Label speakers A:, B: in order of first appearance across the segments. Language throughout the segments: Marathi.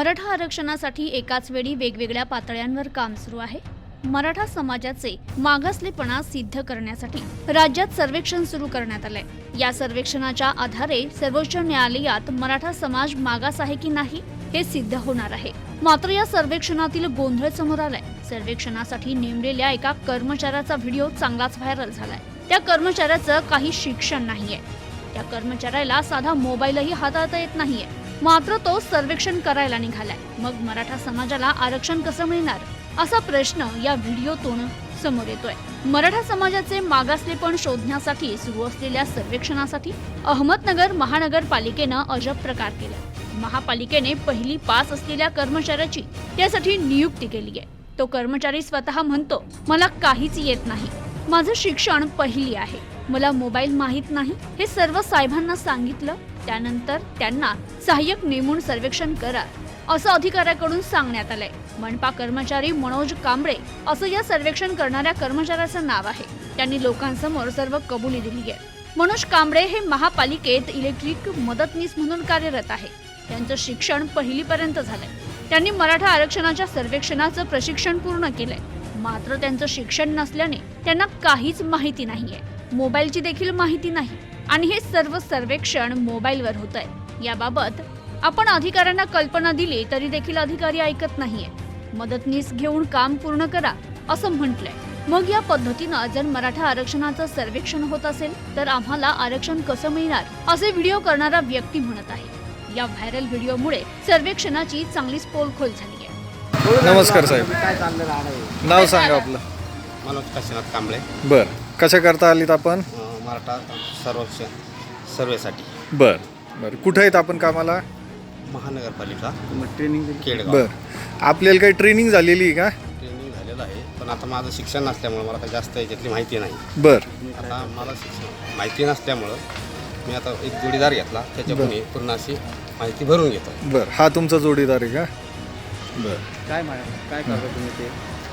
A: मराठा आरक्षणासाठी एकाच वेळी वेगवेगळ्या पातळ्यांवर काम सुरू आहे। मराठा समाजाचे मागासलेपणा सिद्ध करण्यासाठी राज्यात सर्वेक्षण सुरू करण्यात आले। या सर्वेक्षणाच्या आधारे सर्वोच्च न्यायालयात मराठा समाज मागास आहे की नाही हे सिद्ध होणार आहे। मात्र या सर्वेक्षणातील गोंधळ समोर आलाय। सर्वेक्षणासाठी नेमलेल्या एका कर्मचाऱ्याचा व्हिडिओ चांगलाच व्हायरल झालाय। त्या कर्मचाऱ्याचं काही शिक्षण नाहीये। त्या कर्मचाऱ्याला साधा मोबाईलही हाताळता येत नाहीये, मात्र तो सर्वेक्षण करायला निघालाय। मग मराठा समाजाला आरक्षण कसं मिळणार असा प्रश्न या व्हिडिओतून समोर येतोय। मराठा समाजाचे मागासलेपण शोधण्यासाठी सुरू असलेल्या सर्वेक्षणासाठी अहमदनगर महानगरपालिकेनं अजब प्रकार केला। महापालिकेने पहिली पास असलेल्या कर्मचाऱ्याची त्यासाठी नियुक्ती केली आहे। तो कर्मचारी स्वतः म्हणतो, मला काहीच येत नाही, माझं शिक्षण पहिली आहे, मला मोबाईल माहित नाही। हे सर्व साहेबांना सांगितलं, त्यानंतर त्यांना सहाय्यक नेमून सर्वेक्षण करा असं अधिकाऱ्याकडून सांगण्यात आलंय। मनपा कर्मचारी मनोज कांबळे असं या सर्वेक्षण करणाऱ्या कर्मचाऱ्याचं नाव आहे। त्यांनी लोकांसमोर सर्व कबुली दिली आहे। मनोज कांबळे हे महापालिकेत इलेक्ट्रिक मदतनीस म्हणून कार्यरत आहे। त्यांचं शिक्षण पहिलीपर्यंत झालंय। त्यांनी मराठा आरक्षणाच्या सर्वेक्षणाचं प्रशिक्षण पूर्ण केलंय, मात्र त्यांचं शिक्षण नसल्याने त्यांना काहीच माहिती नाहीये, मोबाईलची देखील माहिती नाही आणि हे सर्व सर्वेक्षण मोबाईलवर होत आहे। याबाबत आपण अधिकाऱ्यांना कल्पना दिली तरी देखील अधिकारी ऐकत नाहीये। मदतनीस घेऊन काम पूर्ण करा असं म्हटलंय। मग या पद्धतीनं जर मराठा आरक्षणाचं सर्वेक्षण होत असेल तर आम्हाला आरक्षण कसं मिळणार असे व्हिडिओ करणारा व्यक्ती म्हणत आहे। या व्हायरल व्हिडिओमुळे सर्वेक्षणाची चांगलीच पोलखोल झाली आहे।
B: नमस्कार साहेब, नाव सांगा आपलं?
C: मनोज काशीनाथ कांबळे।
B: बर, कशा करता आलीत आपण?
C: मराठा सर्वेसाठी।
B: बर बर, कुठे आहेत आपण कामाला?
C: महानगरपालिका ट्रेनिंग केडगाव।
B: बर, आपल्याला काही ट्रेनिंग झालेली आहे का?
C: ट्रेनिंग झालेलं आहे, पण आता माझं शिक्षण नसल्यामुळे मला काही जास्त याच्यातली माहिती नाही।
B: बर,
C: आता मला शिक्षण माहिती नसल्यामुळं मी आता एक जोडीदार घेतला, त्याच्याकडून पूर्ण अशी माहिती भरून घेतो।
B: बर, हा तुमचा जोडीदार आहे का? बर,
C: काय करता तुम्ही ते?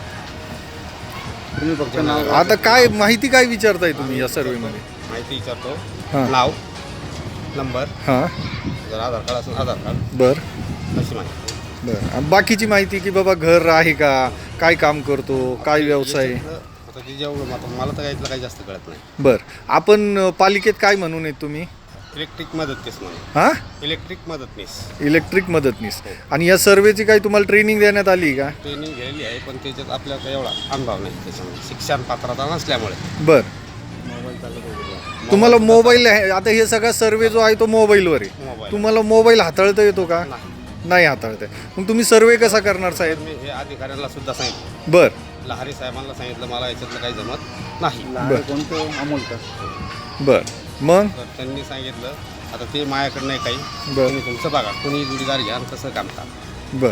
C: तुम्ही फक्त नाव,
B: आता काय माहिती काय विचारताय तुम्ही या सर्वेमध्ये?
C: माहिती विचारतो,
B: हां.
C: नाव, नंबर,
B: हां,
C: जर आधार कार्ड असेल आधार कार्ड,
B: बर
C: अशी माहिती।
B: बर, बाकीची माहिती की बाबा घर आहे का, काय काम करतो, काय व्यवसाय?
C: आता ते जेवढं आता मला तर यातलं काही जास्त कळत नाही।
B: बर, आपण पालिकेत काय म्हणून आहेत तुम्ही?
C: इलेक्ट्रिक मदतनीस म्हणून।
B: हां,
C: इलेक्ट्रिक मदतनीस।
B: इलेक्ट्रिक मदतनीस। आणि या सर्वेची काही तुम्हाला ट्रेनिंग देण्यात आली का?
C: ट्रेनिंग घेतलेली आहे, पण त्याच्यात आपल्याला काही एवढा अनुभव नाही त्याच्यामुळे, शिक्षण पात्रता नसल्यामुळे।
B: बर,
C: मोबाईल चालत
B: तुम्हाला मोबाईल आहे, आता हे सगळा सर्वे जो आहे तो मोबाईलवर आहे।
C: मोबाईल
B: तुम्हाला मोबाईल हाताळता येतो का? नाही हाताळता येत। मग तुम्ही सर्वे कसा करणार साहेब?
C: मी हे अधिकाऱ्यांना सुद्धा सांगितलं,
B: बर,
C: लहारी साहेबांना सांगितलं, मला याच्यातलं काही जमत नाही।
B: बर.
C: कोणतं अमोल का?
B: बर, मग
C: तर त्यांनी सांगितलं, आता ते माझ्याकडे नाही काही,
B: बर.
C: तुम्ही तुमचं बघा, कोणी जोडीदार घ्या आणि तसं काम करा।
B: बर,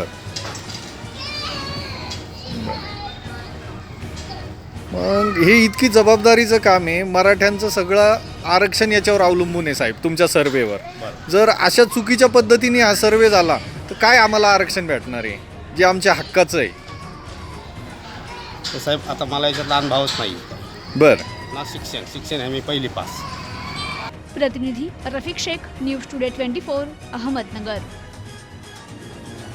B: मग हे इतकी जबाबदारीचं काम आहे, मराठ्यांचं सगळं आरक्षण याच्यावर अवलंबून आहे साहेब, तुमच्या सर्वेवर।
C: बरं.
B: जर अशा चुकीच्या पद्धतीने हा सर्वे झाला तर काय आम्हाला आरक्षण भेटणार आहे जे आमच्या हक्काचं आहे?
C: तर साहेब, आता मला याच्यातला अनुभवच नाही
B: बर,
C: ना, शिक्षण आहे मी पहिली पास।
A: प्रतिनिधी रफिक शेख, न्यूज टुडे 24, अहमदनगर।